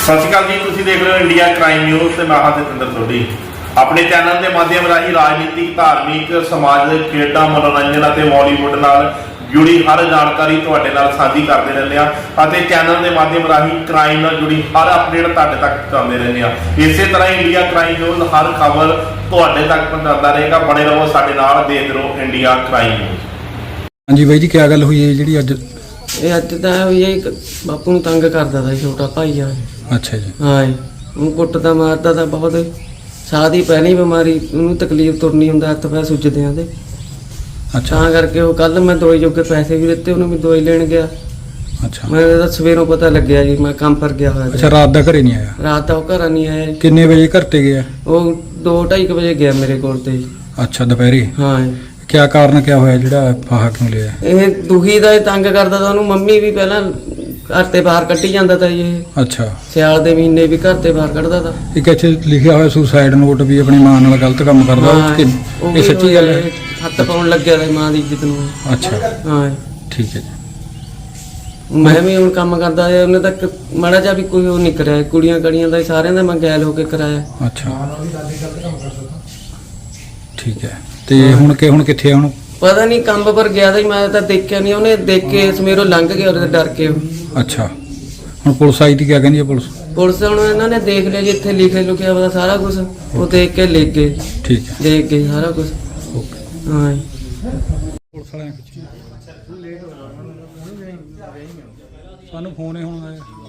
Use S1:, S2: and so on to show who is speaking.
S1: ਸਤਿ ਸ਼੍ਰੀ ਅਕਾਲ ਜੀ, ਤੁਸੀਂ ਦੇਖ ਰਹੇ ਹੋ ਇੰਡੀਆ ਕ੍ਰਾਈਮ ਨਿਊਜ਼ ਤੇ ਮੈਂ ਹਾਂ ਜਤਿੰਦਰ ਸੋਢੀ। ਆਪਣੇ ਚੈਨਲ ਦੇ ਮਾਧਿਅਮ ਰਾਹੀਂ ਰਾਜਨੀਤਿਕ, ਧਾਰਮਿਕ, ਸਮਾਜਿਕ, ਖੇਡਾਂ, ਮਨੋਰੰਜਨ ਅਤੇ ਬਾਲੀਵੁੱਡ ਨਾਲ ਜੁੜੀ ਹਰ ਜਾਣਕਾਰੀ ਤੁਹਾਡੇ ਨਾਲ ਸਾਂਝੀ ਕਰਦੇ ਰਹਿੰਦੇ ਆ ਅਤੇ ਚੈਨਲ ਦੇ ਮਾਧਿਅਮ ਰਾਹੀਂ ਕ੍ਰਾਈਮ ਨਾਲ ਜੁੜੀ ਹਰ ਅਪਡੇਟ ਤੁਹਾਡੇ ਤੱਕ ਪਹੁੰਚਾਉਂਦੇ ਰਹਿੰਦੇ ਆ। ਇਸੇ ਤਰ੍ਹਾਂ ਇੰਡੀਆ ਕ੍ਰਾਈਮ ਨਿਊਜ਼ ਹਰ ਖਬਰ ਤੁਹਾਡੇ ਤੱਕ ਪਹੁੰਚਾਉਂਦਾ ਰਹੇਗਾ। ਬਣੇ ਰਹੋ ਸਾਡੇ ਨਾਲ, ਦੇਖਦੇ ਰਹੋ ਇੰਡੀਆ ਕ੍ਰਾਈਮ ਨਿਊਜ਼।
S2: ਹਾਂਜੀ ਬਾਈ ਜੀ, ਕੀ ਗੱਲ ਹੋਈ ਹੈ ਜਿਹੜੀ ਅੱਜ?
S3: ਇਹ ਅੱਜ ਤਾਂ ਹੋਈ ਹੈ, ਇੱਕ ਬਾਪੂ ਨੂੰ ਤੰਗ ਕਰਦਾ ਤਾ ਛੋਟਾ ਭਾਈ ਆ।
S2: ਅੱਛਾ ਜੀ।
S3: ਹਾਂ ਜੀ, ਉਹਨੂੰ ਕੁੱਟਦਾ ਮਾਰਦਾ ਤਾਂ ਬਹੁਤ। ਸਾਹ ਦੀ ਪਹਿਲੀ ਬਿਮਾਰੀ, ਉਹਨੂੰ ਤਕਲੀਫ ਤੁਰਨੀ ਹੁੰਦਾ, ਹੱਥ ਪੈਰ ਸੁੱਜਦੇ ਆ ਉਹਦੇ।
S2: ਅੱਛਾ,
S3: ਤਾਂ ਕਰਕੇ ਉਹ ਕੱਲ ਮੈਂ ਦਵਾਈ ਜੋਗੇ ਪੈਸੇ ਵੀ ਦਿੱਤੇ, ਉਹਨੂੰ ਵੀ ਦਵਾਈ ਲੈਣ ਗਿਆ।
S2: ਅੱਛਾ।
S3: ਮੈਨੂੰ ਤਾਂ ਸਵੇਰੋਂ ਪਤਾ ਲੱਗਿਆ ਜੀ, ਮੈਂ ਕੰਮ ਪਰ ਗਿਆ ਹੋਇਆ।
S2: ਅੱਛਾ, ਰਾਤ ਦਾ ਘਰੇ ਨਹੀਂ ਆਇਆ?
S3: ਰਾਤ ਤਾਂ ਉਹ ਘਰ ਨਹੀਂ ਆਇਆ।
S2: ਕਿੰਨੇ ਵਜੇ ਘਰ ਤੇ ਗਿਆ?
S3: ਉਹ 2-2:30 ਵਜੇ ਗਿਆ ਮੇਰੇ ਕੋਲ ਤੇ।
S2: ਅੱਛਾ, ਦੁਪਹਿਰੇ?
S3: ਹਾਂ ਜੀ।
S2: ਕਿਆ ਕਾਰਨ ਕਿਆ ਹੋਇਆ ਜਿਹੜਾ ਫਾਹਾ ਕਿਉਂ ਲਿਆ?
S3: ਇਹ ਦੁਖੀ ਦਾ, ਇਹ ਤੰਗ ਕਰਦਾ ਤਾਂ ਉਹਨੂੰ। ਮੰਮੀ ਵੀ ਪਹਿਲਾਂ ਘਰ ਤੇ ਬਾਹਰ ਕੱਢੀ ਜਾਂਦਾ ਤਾ ਜੀ ਇਹ।
S2: ਅੱਛਾ।
S3: ਸਿਆਲ ਦੇ ਮਹੀਨੇ ਵੀ ਘਰ ਤੇ ਬਾਹਰ ਕੱਢਦਾ ਤਾ।
S2: ਇੱਕ ਇੱਥੇ ਲਿਖਿਆ ਹੋਇਆ ਸੁਸਾਈਡ ਨੋਟ ਵੀ ਆਪਣੀ ਮਾਂ ਨਾਲ ਗਲਤ ਕੰਮ ਕਰਦਾ।
S3: ਉਹ
S2: ਇਹ ਸੱਚੀ ਗੱਲ ਹੈ?
S3: ਹੱਥ ਪਾਉਣ ਲੱਗਿਆ ਤਾ ਮਾਂ ਦੀ ਇੱਜ਼ਤ ਨੂੰ।
S2: ਅੱਛਾ,
S3: ਹਾਂ
S2: ਠੀਕ ਹੈ ਜੀ।
S3: ਮੈਂ ਵੀ ਹੁਣ ਕੰਮ ਕਰਦਾ ਹੈ, ਉਹਨੇ ਤੱਕ ਮਾੜਾ ਜਿਹਾ ਵੀ ਕੋਈ ਉਹ ਨਹੀਂ ਕਰਿਆ। ਕੁੜੀਆਂ ਕੜੀਆਂ ਦਾ ਸਾਰਿਆਂ ਦਾ ਮੈਂ ਗੈਲ ਹੋ ਕੇ ਕਰਾਇਆ।
S2: ਅੱਛਾ, ਠੀਕ ਹੈ। ਤੇ ਹੁਣ ਕਿੱਥੇ ਆ ਹੁਣ?
S3: ਪਤਾ ਨਹੀਂ, ਕੰਮ ਪਰ ਗਿਆ ਤਾਂ ਮੈਂ ਤਾਂ ਦੇਖਿਆ ਨਹੀਂ। ਉਹਨੇ ਦੇਖ ਕੇ ਸਮੇਰੋਂ ਲੰਘ ਗਿਆ, ਉਹਦੇ ਡਰ ਕੇ ਉਹ।
S2: ਅੱਛਾ, ਹੁਣ ਪੁਲਿਸ ਆਈ ਤੀ, ਕਿਆ ਕਹਿੰਦੀ ਹੈ ਪੁਲਿਸ?
S3: ਪੁਲਿਸ ਹੁਣ ਇਹਨਾਂ ਨੇ ਦੇਖ ਲਿਆ ਜੀ, ਇੱਥੇ ਲਿਖਿਆ ਪਤਾ ਸਾਰਾ ਕੁਝ। ਉਹ ਦੇਖ ਕੇ ਲਿਖ ਗਏ।
S2: ਠੀਕ ਹੈ,
S3: ਦੇਖ ਗਏ ਸਾਰਾ ਕੁਝ।
S2: ਓਕੇ।
S3: ਹਾਂ ਜੀ।
S2: ਪੁਲਿਸ ਵਾਲਿਆਂ ਨੇ ਸਾਨੂੰ ਫੋਨ ਹੀ ਹੁਣ ਆਇਆ।